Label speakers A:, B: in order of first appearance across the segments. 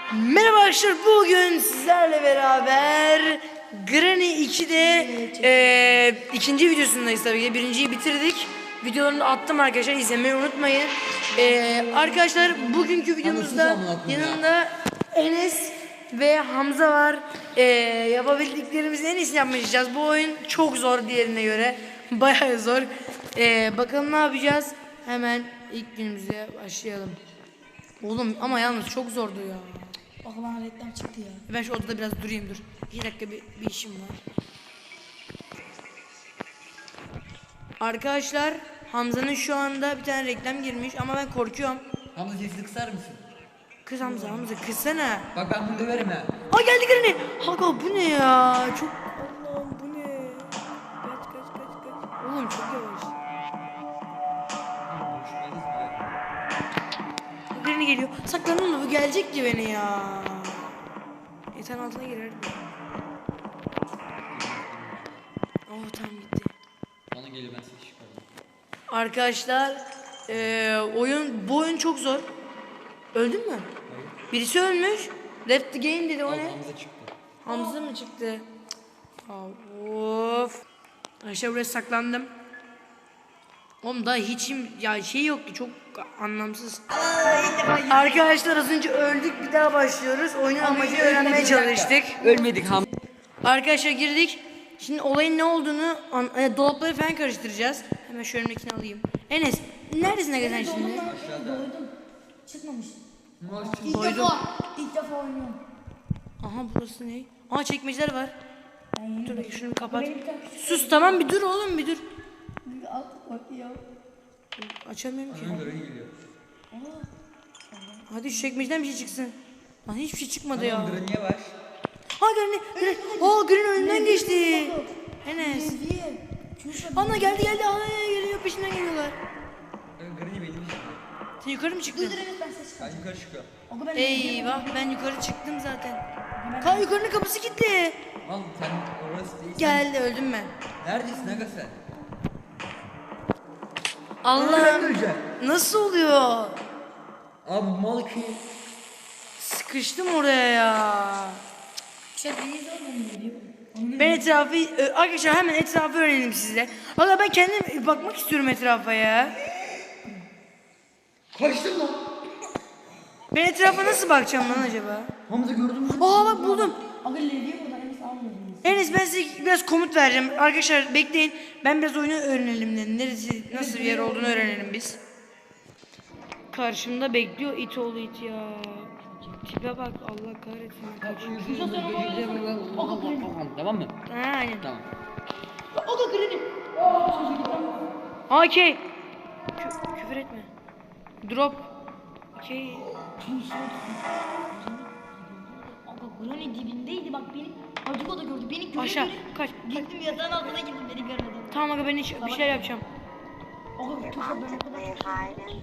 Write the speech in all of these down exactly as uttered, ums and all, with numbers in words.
A: Merhaba arkadaşlar, bugün sizlerle beraber Granny iki'de e, ikinci videosundayız tabii ki. Birinciyi bitirdik. Videolarını attım arkadaşlar, izlemeyi unutmayın. E, arkadaşlar bugünkü videomuzda yanında Enes ve Hamza var. E, yapabildiklerimizin en iyisini yapmaya çalışacağız. Bu oyun çok zor diğerine göre. Bayağı zor. E, bakalım ne yapacağız? Hemen ilk günümüze başlayalım. Oğlum ama yalnız çok zordu ya.
B: Bak bana reklam çıktı ya.
A: Ben şu odada biraz durayım dur. İki dakika bir, bir işim var. Arkadaşlar Hamza'nın şu anda bir tane reklam girmiş ama ben korkuyorum.
C: Hamza sesini kısar mısın?
A: Kız Hamza Hamza kızsana.
C: Bak ben bunu döverim ha.
A: Aa geldi Granny. Haga bu ne ya? Çok Allah'ım bu ne? Kaç kaç kaç kaç. Oğlum çok yavaş. Granny geliyor. Saklanın bu gelecekti beni ya. Yatağın altına girerdim. Oh tamam gitti.
C: Bana geliyor ben seni çıkardım.
A: Arkadaşlar e, oyun bu oyun çok zor. Öldün mü?
C: Hayır.
A: Birisi ölmüş. Left the game dedi, o
C: Al,
A: ne?
C: Hamza çıktı.
A: Hamza mı çıktı? Aa, of. Arkadaşlar buraya saklandım. Oğlum daha hiç ya şey yoktu, çok anlamsız. Arkadaşlar az önce öldük, bir daha başlıyoruz. Oyunun amacını öğrenmeye çalıştık.
C: Ölmedik Hamza.
A: Arkadaşlar girdik. Şimdi olayın ne olduğunu an, e, dolapları falan karıştıracağız. Hemen şu önümdekini alayım. Enes neredesin Aga sen şimdi?
B: Doydum. Çıkmamış.
C: Maaş
B: İlk
A: Doydum.
B: defa. İlk defa oynuyorum.
A: Aha burası ne? Aa çekmeceler var.
B: Ben yeni
A: Dur şunu bir kapat.
B: Benim bir tane küçük-
A: Sus tamam bir dur oğlum bir dur.
B: Bir alt bak ya.
A: Açamıyorum ki.
C: Hamza geliyor.
A: Hadi şu çekmeceden bir şey çıksın. Lan hiçbir şey çıkmadı ya.
C: Hamza niye var?
A: Ha Granny. Granny. Aa Granny önünden geçti. Enes.
B: Diye. Küçük.
A: Ana geldi geldi. Aa geliyor, peşinden geliyorlar.
C: Granny benim.
A: Sen yukarı mı çıktın?
B: Dur evet ben ses
C: Ben
B: çıkardım.
C: yukarı çıkıyorum.
B: Oku ben
A: Eyvah ben yukarı çıktım zaten. Ka yukarının kapısı kilitli.
C: Al sen orası değil.
A: Geldi, öldüm ben.
C: Neredesin Aga sen? Ben
A: Allah'ım
C: öleceğim.
A: nasıl oluyor?
C: Abi mal ki.
A: Sıkıştım oraya ya.
B: Şey değil oğlum.
A: Ben etrafı Ö, arkadaşlar hemen etrafı öğrenelim sizle. Valla ben kendim bakmak istiyorum etrafa ya.
C: Kaçtın lan.
A: Ben etrafa nasıl bakacağım lan acaba?
C: Hamza gördün mü?
A: Aa bak buldum.
B: Aga levye buradan Enes almıyorum.
A: Enes ben size biraz komut vereceğim. Arkadaşlar bekleyin. Ben biraz oyunu öğrenelim dedim. Neresi nasıl bir yer olduğunu öğrenelim biz. Karşımda bekliyor it oğlu it ya. Tipe bak Allah kahretsin. Kaçıyor.
C: Tamam mı?
A: Ha aynen.
C: Tamam.
B: Aga Granny.
A: Okey. Kü küfür etme. Drop. Okey.
B: Aga Granny dibindeydi bak beni. Acık o da gördü. Beni göre
A: Aşağı
B: göre-
A: kaç.
B: Gittim yatağın altına girdim beni görmedi.
A: Tamam aga ben hiç bir şeyler yapacağım.
B: Aga tuşa ben o kadar çok sevdim.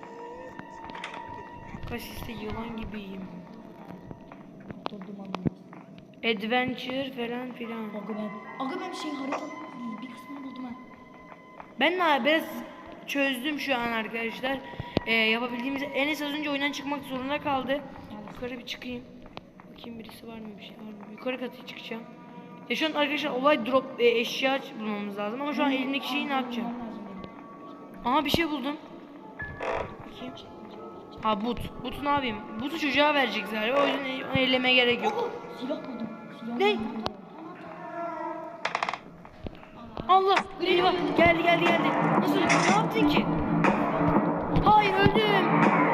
A: Kaç işte yılan gibiyim.
B: Durdum anlamaz.
A: Adventure falan filan.
B: Aga ben. Aga ben şey haritanın bir kısmını buldum ha.
A: Ben de biraz çözdüm şu an arkadaşlar. Ee, yapabildiğimiz Enes az önce oyundan çıkmak zorunda kaldı. Yukarı bir çıkayım. Bakayım birisi var mı, bir şey var mı? Yukarı katı çıkacağım. Ya şu an arkadaşlar olay drop e, eşya bulmamız lazım ama şu an elimdeki şeyi ne yapacağım? Aha bir şey buldum. Bakayım. Ha but. Butu ne yapayım? Butu çocuğa verecek galiba. O yüzden onu ellemeye gerek yok.
B: Aga silah buldum. Silah
A: Ne?
B: buldum.
A: Allah! Eyvah! Geldi geldi geldi. Nasıl? Ne yaptın ki? Hayır öldüm.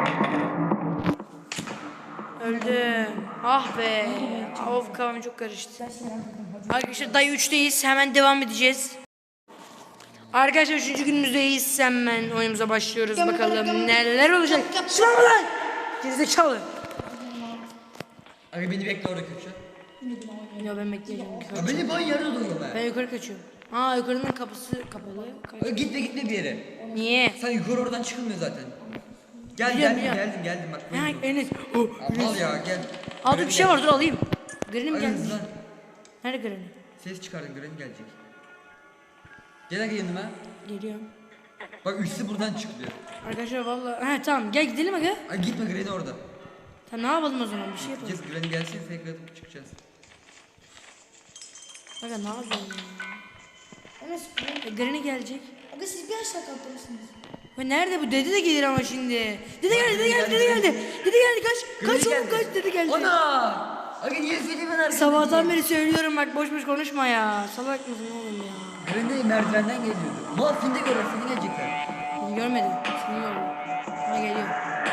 A: Öldüm. Ah be. Of kafam çok karıştı.
B: Ben silah buldum.
A: Arkadaşlar dayı üçteyiz. Hemen devam edeceğiz. Arkadaşlar üçüncü günümüzdeyiz. Hemen oyunumuza başlıyoruz. Bakalım neler olacak. Şuna mı lan? Gerizekalı.
C: Aga beni bekle orada köşe.
A: Ya ben bekleyeceğim.
C: Ya beni ben yarıda duruyorum ben.
A: Ben yukarı kaçıyorum. Aa yukarının kapısı kapalı. Kaç.
C: Aga gitme gitme bir yere.
A: Niye?
C: Sen yukarı oradan çıkılmıyor zaten. Gel
A: Biliyorum,
C: geldim
A: biliyorum.
C: geldim geldim bak.
A: Ha
C: buyurun.
A: Enes. Oh,
C: Al ya gel.
A: Aa dur
C: Granny
A: bir şey
C: gel.
A: var, dur alayım. Granny mi
C: Aga
A: gelmiş?
C: hızlan.
A: Nerede Granny?
C: Ses çıkardın Granny gelecek. Gel aga yanıma.
A: Geliyorum.
C: Bak üstü buradan çıkıyor.
A: Arkadaşlar vallahi ha tamam gel gidelim aga.
C: Ay gitme Granny orada.
A: Tamam ne yapalım o zaman bir şey yapalım.
C: Gideceğiz Granny gelsin tekrar atıp çıkacağız.
A: Aga ne yapalım ya?
B: Enes
A: E, Granny gelecek.
B: aga siz bir aşağı kalkmalısınız.
A: Ve nerede bu? Dede de gelir ama şimdi. Dede geldi, dede geldi, dede geldi. Dede geldi kaç. Kaç oğlum kaç dede geldi.
C: Ana! Aga niye söyleyeyim ben arkadaşım?
A: Sabahtan beri söylüyorum bak boş boş konuşma ya. Salak mısın oğlum ya?
C: Granny merdivenden geliyordu. Mal seni de görür seni gelecekler.
A: Beni görmedi. Seni gördüm. Ama geliyor.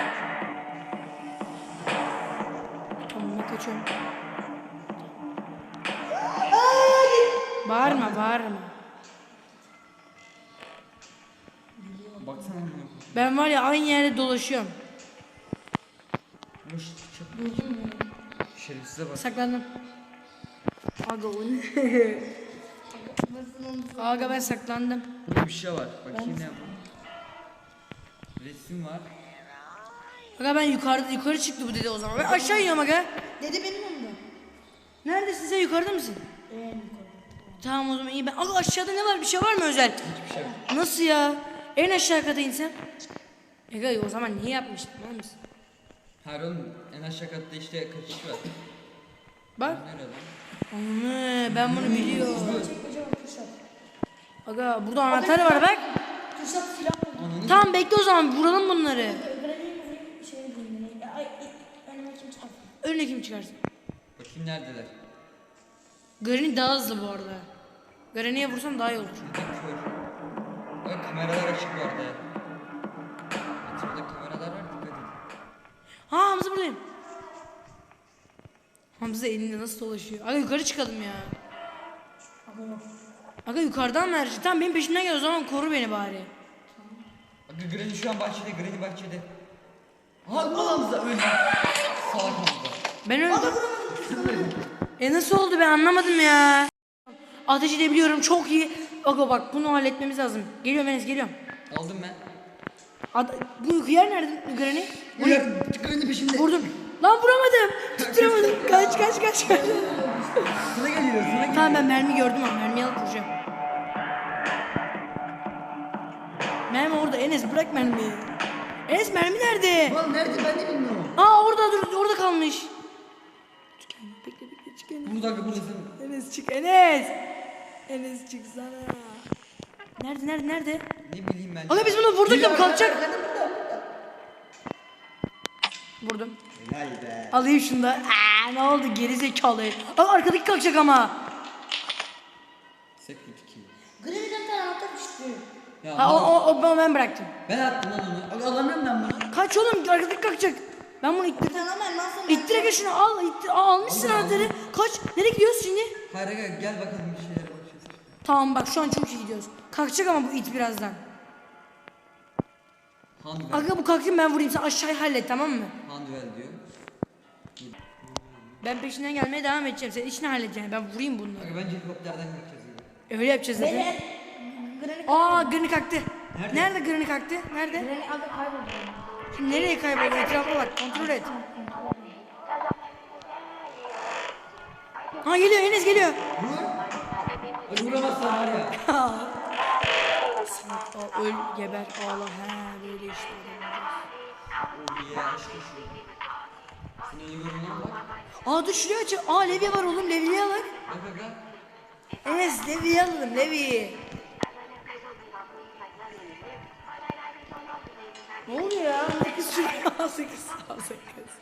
A: Tamam ben kaçıyorum. Bağırma bağırma.
C: Baksana amına koyayım.
A: Ben var ya aynı yerde dolaşıyorum.
C: Boş çık. Şerefsize bak.
A: Saklandım. Aga o ne? Aga ben saklandım.
C: Burada bir şey var. Bakayım ne yapalım. Resim var.
A: Aga ben yukarıda yukarı çıktı bu dede o zaman. Ben aşağı iniyorum aga.
B: Dede benim onda.
A: Neredesin sen yukarıda mısın?
B: Evet.
A: Tamam o zaman iyi ben. Aga aşağıda ne var bir şey var mı özel?
C: Hiçbir şey yok.
A: Nasıl ya? En aşağı kata insen. Aga o zaman niye yapmıştın var mısın?
C: Hayır oğlum en aşağı katta işte kaçış var.
A: Bak.
C: Nerede lan?
A: Anne ben bunu biliyorum.
B: Kocaman tuşak.
A: Aga burada anahtar var bak.
B: Tuşak silah oldu.
C: Ananı
A: Tamam bekle o zaman vuralım bunları.
B: Granny'e vurayım şey diyeyim. Ya, ay, önüme kim çıkar?
A: Önüne kim çıkarsın?
C: bakayım neredeler?
A: Granny daha hızlı bu arada. Granny'e vursam daha iyi olur.
C: Şurada kör. Bak kameralar açık bu arada. Etrafta kameralar var dikkat edin.
A: Ha Hamza buradayım. Hamza elinde nasıl dolaşıyor? Aga yukarı çıkalım ya.
B: Aga yok.
A: Aga yukarıdan mı her şey? Tamam benim peşimden gel o zaman koru beni bari.
C: Bak Granny şu an bahçede, Granny bahçede. Ha al Hamza öldü. Salak Hamza.
A: Ben öldüm. E nasıl oldu ben anlamadım ya. Ateş edebiliyorum çok iyi. Aga bak bunu halletmemiz lazım. Geliyorum Enes geliyorum.
C: Aldım ben.
A: Ad bu hıyar nerede Granny? Bu ne?
C: Granny peşinde.
A: Vurdum. Lan vuramadım. Tutturamadım. Kaç kaç kaç kaç.
C: Sana geliyor, sana geliyor.
A: Tamam ben mermi gördüm ama mermiyi alıp vuracağım. Mermi orada Enes bırak mermiyi. Enes mermi nerede?
C: Lan nerede ben de bilmiyorum.
A: Aa orada dur orada kalmış. Çık Enes, bekle bekle çık Enes.
C: Burada buradasın.
A: Enes çık Enes. Enes çıksana. Nerede nerede nerede?
C: Ne bileyim ben.
A: Aga biz bunu vurduk ya bu
C: Geliyor,
A: kalkacak.
C: arkada, burada, burada.
A: Vurdum.
C: Helal be.
A: Alayım şunu da. Aa, ne oldu geri zekalı. Aa arkadaki kalkacak ama.
C: Secret key.
B: Granny'den bir tane anahtar düştü.
C: Ya
A: Ha, o,
C: mal.
A: o, o, ben bıraktım.
C: Ben attım lan onu. Aga alamıyorum ben bunu.
A: Kaç oğlum arkadaki kalkacak. Ben bunu
B: Bir
A: ittirdim.
B: tane ama elmas sonra.
A: İttir aga şunu al. Ittir. Aa, almışsın
C: Aldım,
A: anahtarı.
C: aldım.
A: Kaç. Nereye gidiyoruz şimdi?
C: Hayır aga gel bakalım bir şeylere bakacağız.
A: Tamam bak şu an çok iyi gidiyoruz. Kalkacak ama bu it birazdan.
C: Handwell.
A: Aga bu kalktı ben vurayım sen aşağıyı hallet tamam mı?
C: Handwell diyor.
A: Ben peşinden gelmeye devam edeceğim. Sen işini halledeceksin. Ben vurayım bunu.
C: Aga bence helikopterden gideceğiz aga.
A: Öyle yapacağız zaten.
B: Beni Granny
A: Aa Granny kalktı.
C: Nerede?
A: Nerede Granny kalktı? Nerede?
B: Granny aga kayboldu.
A: Şimdi nereye kayboldu? Etrafa bak. Kontrol et. Ha geliyor Enes geliyor.
C: Vur. Aga vuramazsan var ya.
A: Aa, öl geber ağla he böyle işte.
C: Oh yeah aşkım şu. Sen ölüyorum lan bak.
A: Aa dur şuraya aç. Aa levye var oğlum levyeyi al.
C: Bak aga.
A: Enes levyeyi alalım levyeyi. Ne oluyor ya? Sakız şuraya al sakız al sakız.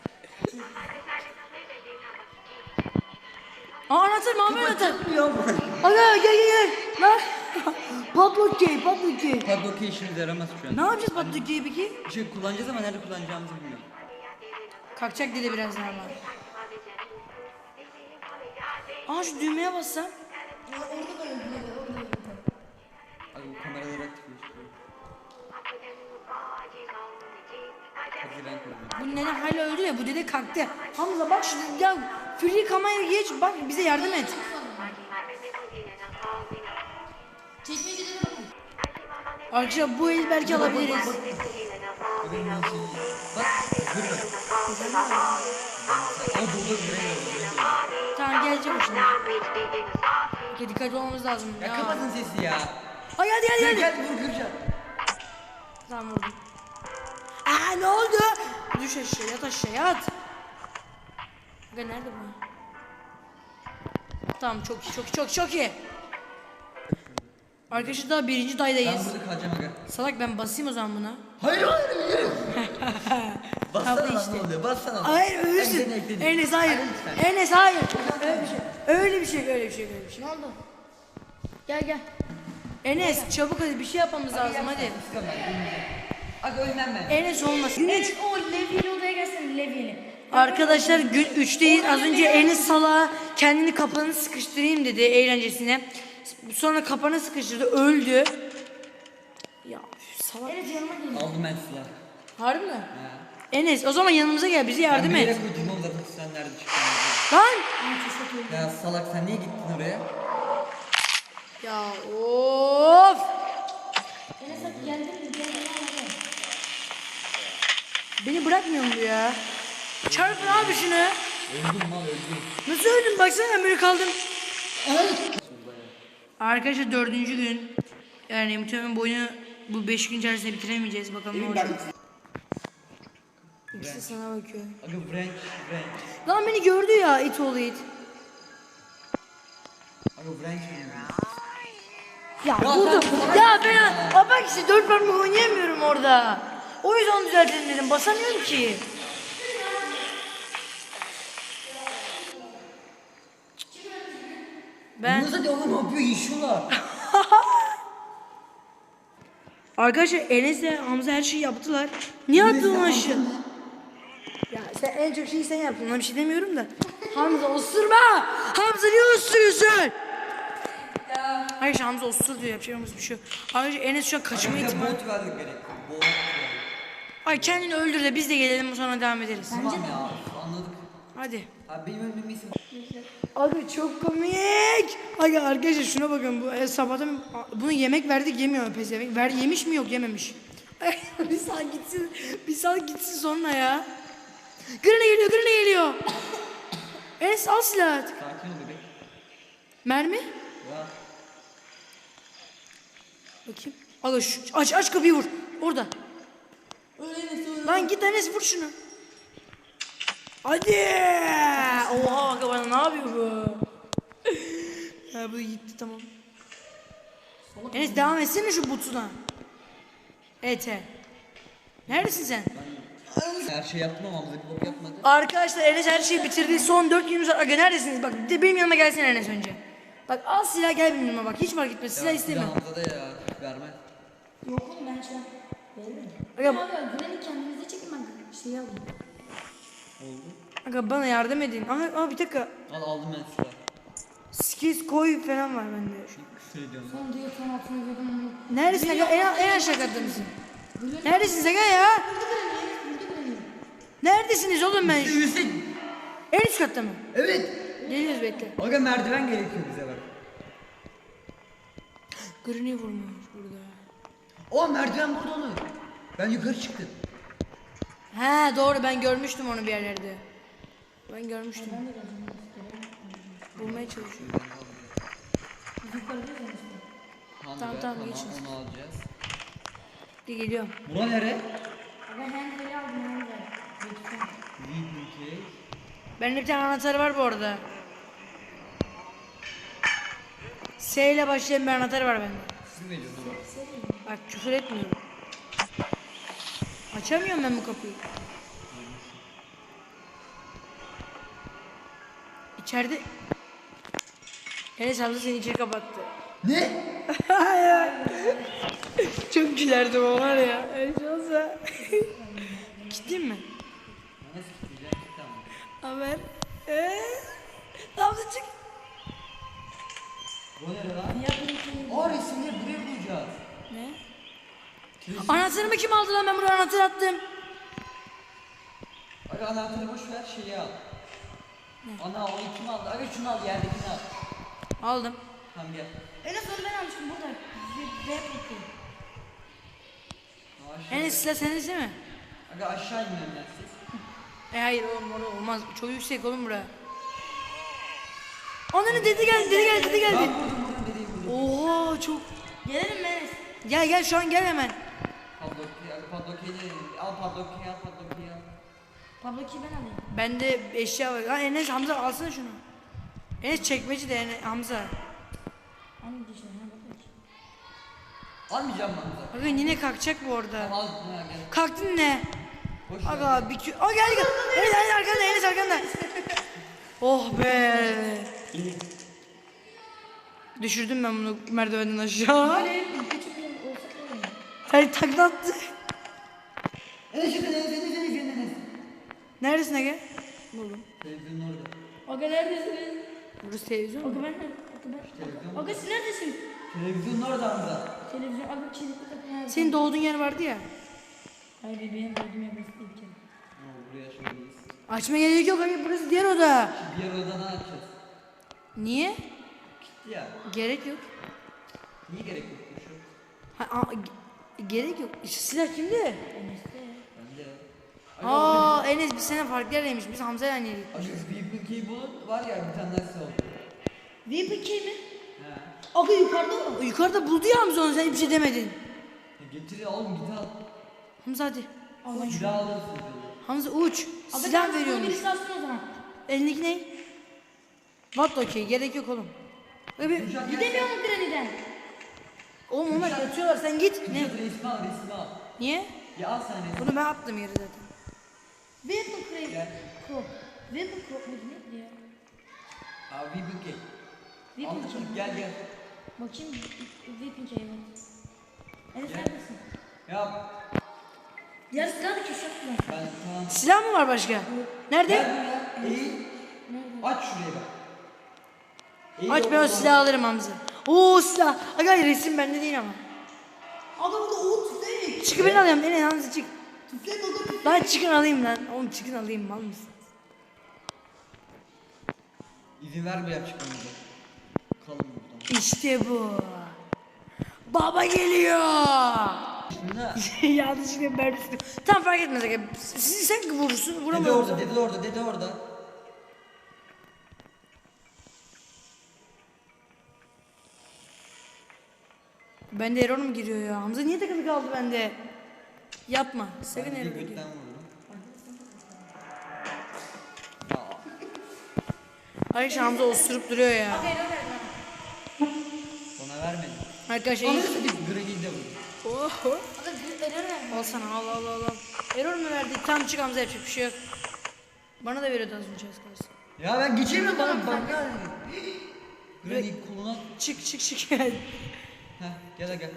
A: Aa anahtar mavi anahtar. Aga gel gel gel. Lan. Padlock key padlock key.
C: Padlock key işimize yaramaz şu an.
A: Ne yapacağız padlock key'i peki?
C: Bir şey kullanacağız ama nerede kullanacağımızı bilmiyorum.
A: Kalkacak dedi birazdan ama. Aa şu düğmeye bassam.
B: Orada da öldü. Orada öldü.
C: Aga bu kameraları aktifleştiriyor. Hadi ben koyayım.
A: Bu nene hala öldü ya bu dede kalktı. Hamza bak şu ya free kameraya geç bak bize yardım et.
B: Çekmecede de bakın.
A: Arkadaşlar bu el belki alabiliriz.
C: Bak benim her şeyi. Bak dur bak. Aa burada bir
A: Tamam gelecek o şimdi. Okey dikkatli olmamız lazım.
C: Ya
A: Ya.
C: kapatın sesi ya.
A: Ay hadi hadi
C: Gel
A: hadi.
C: gel vur kıracağım.
A: Tamam vurdum. Aa ne oldu? Düş aşağı yat aşağı yat. Aga nerede bu? Tamam çok iyi çok iyi çok iyi, çok iyi. Arkadaşlar daha birinci
C: Ben
A: daydayız.
C: burada kalacağım aga.
A: Salak ben basayım o zaman buna.
C: Hayır hayır hayır. Bassana
A: Kapı
C: lan
A: işte.
C: ne oluyor? Bassana.
A: Hayır ölürsün.
C: Ekledim, ekledim.
A: Enes hayır.
C: Lütfen.
A: Enes hayır. Öyle bir şey. Öyle bir şey öyle bir şey öyle bir şey.
B: Ne oldu? Gel gel.
A: Enes çabuk hadi bir şey yapmamız lazım hadi.
C: İstiyorum ben. ölmeyeceğim. Aga ölmem ben.
A: Enes olmaz.
B: Evet o levyeli odaya gelsene levyeli.
A: Arkadaşlar gün üçteyiz. Az önce Enes salağa kendini kapağını sıkıştırayım dedi eğlencesine. Sonra kapağını sıkıştırdı öldü. Ya üf, salak.
B: Evet yanıma gel.
C: Aldım ben silah.
A: Harbi mi?
C: Ha.
A: Enes o zaman yanımıza gel bize yardım
C: Ben bir yere
A: et.
C: koydum oğlum zaten sen nerede çıktın?
A: Lan.
C: Ya salak sen niye gittin oraya?
A: Ya of.
B: Enes hadi geldin mi? Geldin mi?
A: Beni bırakmıyor mu bu ya? Çarpın abi şunu.
C: Öldüm mal öldüm.
A: Nasıl öldün baksana ben böyle kaldım. Arkadaşlar dördüncü gün. Yani muhtemelen bu oyunu bu beş gün içerisinde bitiremeyeceğiz bakalım ne olacak. İkisi sana bakıyor.
C: Aga Frank Frank.
A: Lan beni gördü ya it oğlu it.
C: Aga Frank
A: Ya vurdum. Ya ben Aa, bak işte dört parmak oynayamıyorum orada. O yüzden düzeltelim dedim basamıyorum ki. Ben
C: Bunlar da oğlum ne yapıyor yaşıyorlar.
A: arkadaşlar Enes'le Hamza her şeyi yaptılar. Niye attın onu aşağı? Ya sen en çok şeyi sen yaptın ona bir şey demiyorum da. Hamza osurma! Hamza niye osuruyorsun? Hayır Hamza osur diyor yapacağımız bir şey yok. Arkadaşlar Enes şu an kaçma
C: Aga
A: ihtimali.
C: bot verdik gerek. Bot verdik.
A: Ay kendini öldür de biz de gelelim sonra devam ederiz.
C: Tamam ya anladık.
A: Hadi.
C: Abi benim ölmemi isim.
A: Abi çok komik. Aga arkadaşlar şuna bakın bu e, sabahtan bunu yemek verdik yemiyor pezevenk. Ver yemiş mi yok yememiş. Ay, bir saat gitsin. Bir saat gitsin sonra ya. Granny geliyor, Granny geliyor. Enes al silahı.
C: Sakin ol bebek.
A: Mermi?
C: Ya.
A: Bakayım. Aga şu, aç aç kapıyı vur. Orada. Lan git Enes vur şunu. Hadi. Oha aga bana ne yapıyor bu? Ya bu gitti tamam. Enes devam etsene şu butuna. Evet he. Neredesin sen?
C: Her şey yaptım ama Hamza bir bok yapmadı.
A: Arkadaşlar Enes her şeyi bitirdi. Son dört günümüz var. Aga neredesiniz? Bak de benim yanıma gelsene Enes önce. Bak al silah gel benim yanıma bak. Hiç fark etmez. Silah
C: Ya,
A: istemiyorum.
C: Hamza da ya vermez.
B: Yok oğlum ben şu an. Veririm.
A: Aga,
B: Abi Granny kendinize çekin ben şeyi alayım.
C: Oldu.
A: aga bana yardım edin. Aha, aha bir dakika.
C: Al aldım ben silah.
A: Skills koy falan var bende.
C: Küfür ediyorum.
B: Son diyor son altına girdim.
A: Neredesin aga? En, en aşağı katta mısın? Neredesiniz aga ya? Neredesiniz oğlum ben?
C: Hüseyin.
A: En üst katta mı?
C: Evet.
A: Geliyoruz bekle.
C: Aga merdiven gerekiyor bize bak.
A: Granny vurmuş burada.
C: O merdiven burada olur. Ben yukarı çıktım.
A: He doğru ben görmüştüm onu bir yerlerde. Ben görmüştüm. Bulmaya çalışıyorum.
C: Tamam
A: Tamam, tamam, geçin.
C: Onu alacağız.
A: Bir geliyorum.
C: Bura nere?
B: Ben handball'i aldım handball.
C: Lead case.
A: Bende bir tane anahtarı var bu arada. S ile başlayan bir anahtarı var bende.
C: Siz mi veriyorsunuz?
A: Bak küfür etmiyorum. Açamıyorum ben bu kapıyı. İçeride... Enes abla seni içeri kapattı.
C: Ne?
A: Çok gülerdim o var ya. Enes olsa. Gittin mi?
C: Nasıl gideceğim? Tamam.
A: Haber. Eee? Ne yaptın çık?
C: Bu nere lan? Aa resimleri buraya bulacağız.
A: Ne? Anahtarımı kim aldı lan ben buraya anahtar attım.
C: Aga anahtarı boş ver şeyi al. Ana onu kim aldı? Aga şunu al yerdekini al.
A: Aldım.
C: Tamam gel.
B: Enes onu ben almıştım burada. V peki.
C: Aşağı.
A: Enes silah senin değil mi?
C: Aga aşağı inmiyorum ben siz.
A: E hayır oğlum orada olmaz. Çok yüksek oğlum bura. Onların dedi geldi dedi geldi dedi geldi.
C: Ben vurdum vurdum dediğim vurdum.
A: Oha çok.
B: Gelelim mi Enes?
A: Gel gel şu an gel hemen.
C: Padlock'u aga padlock'u al padlock'u al padlock'u al.
B: Tabloki ben alayım.
A: Bende eşya var. Ha Enes Hamza alsana şunu. Enes çekmeci de Enes, Hamza.
B: Hangi dişler? Ha bakayım.
C: Almayacağım ben Hamza.
A: Bakın yine kalkacak bu orada.
C: Tamam al. Ha, gel.
A: Kalktın ne?
C: Boş ver.
A: Aga bir kü... Aa gel gel. Enes Enes arkanda Enes arkanda. Oh be. Düşürdüm ben bunu merdivenden aşağı.
B: Böyle küçük bir olsa da olur.
A: Sen takla attı.
C: Enes şurada Enes Enes Enes Enes Enes.
A: Neredesin Ege? Buldum.
C: Televizyonun orada.
B: Aga neredesiniz?
A: Burası televizyon mu?
B: Aga ben nerede? Aga ben.
C: Televizyon.
B: Aga siz neredesin?
C: Televizyonun orada Hamza.
B: Televizyon. Aga kilitli kapı nerede?
A: Senin doğduğun yer vardı ya.
B: Hayır benim gördüğüm yer burası değil ki.
C: Ha, buraya şöyleyiz.
A: Açma gerek yok Ege, burası diğer oda.
C: Şu diğer odadan açacağız.
A: Niye?
C: Gitti ya.
A: Gerek yok.
C: Niye gerek yok bu şu?
A: Ha, a- ge- gerek yok. İşte silah kimde?
B: Enes'te.
C: Bende.
A: Aa Enes biz seninle farklı yerdeymiş. Biz Hamza'yla aynıydık.
C: Aşkım V P K bulun var ya bir tane daha oldu.
B: V P K mi?
C: He.
B: Aga yukarıda mı?
A: O yukarıda buldu ya Hamza onu, sen hiçbir şey demedin.
C: Ya getir oğlum git al.
A: Hamza hadi.
B: Allah
C: Bir daha alırsın dedi.
A: Hamza uç.
B: Aga
A: Silah
B: tamam,
A: veriyormuş.
B: birisi alsın o zaman.
A: Elindeki ne? What okey, gerek yok oğlum. Abi,
B: Gidemiyor mu Granny'den?
A: oğlum onlar yatıyorlar, sen git.
C: Ne?
A: Ne?
C: Resmi al resmi al.
A: Niye?
C: Ya al sen resmi.
A: Bunu ben attım yere zaten.
B: Weapon crate.
C: Gel.
B: Crop. Weapon crop muydu neydi ya?
C: Abi V P K.
B: Weapon
C: Anladın mı?
B: K.
C: Gel gel.
B: Bakayım. Weapon K evet. Enes
C: Gel.
B: neredesin?
C: Ya
B: Ya silah da köşe yaptılar.
C: ben tamam.
A: Silah mı var başka? Nerede?
C: Gel buraya. Eğil.
B: Nerede?
C: Aç şuraya bak. Eğil
A: Aç, ben o
C: oradan.
A: silahı alırım Hamza. Oo silah. Aga resim bende değil ama.
B: Aga burada o tüfek.
A: Çıkı ben alayım. Ene Hamza çık.
B: Tüfek aga tüfek.
A: Lan çıkın alayım lan. Oğlum çıkın alayım, mal mısın?
C: İzin ver bir çıkmamıza. Kalın buradan.
A: İşte bu. Baba geliyor.
C: Ne?
A: Yanlışlıkla mermisini. Tamam fark etmez aga. Sizi sen vurursun,
C: Dede
A: vuramıyorsun.
C: orada, dede orada, dede orada.
A: Bende error mu giriyor ya? Hamza niye takılı kaldı bende? Yapma. Sakın
C: Ben de
A: error giriyor.
C: götten vururum. Ya,
A: Arkadaşlar Hamza osurup duruyor ya.
B: Aga error verdi bana.
C: ona vermedim.
A: Arkadaşlar
C: Anladın
A: iyi.
C: mı? Granny'de vurdum.
A: Oho.
B: Aga error verdi.
A: Al sana, al al al al. Error mu verdi? Tam çık Hamza, yapacak bir şey yok. Bana da veriyordu az önce az kalsın.
C: Ya ben geçemiyorum bana bak ya. Granny koluna.
A: Çık çık çık gel.
C: Heh gel gel.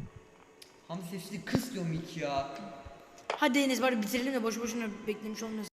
C: Hamza sesini kıs diyorum ilk ya.
A: Hadi Enes bari bitirelim de boş boşuna beklemiş olmasın.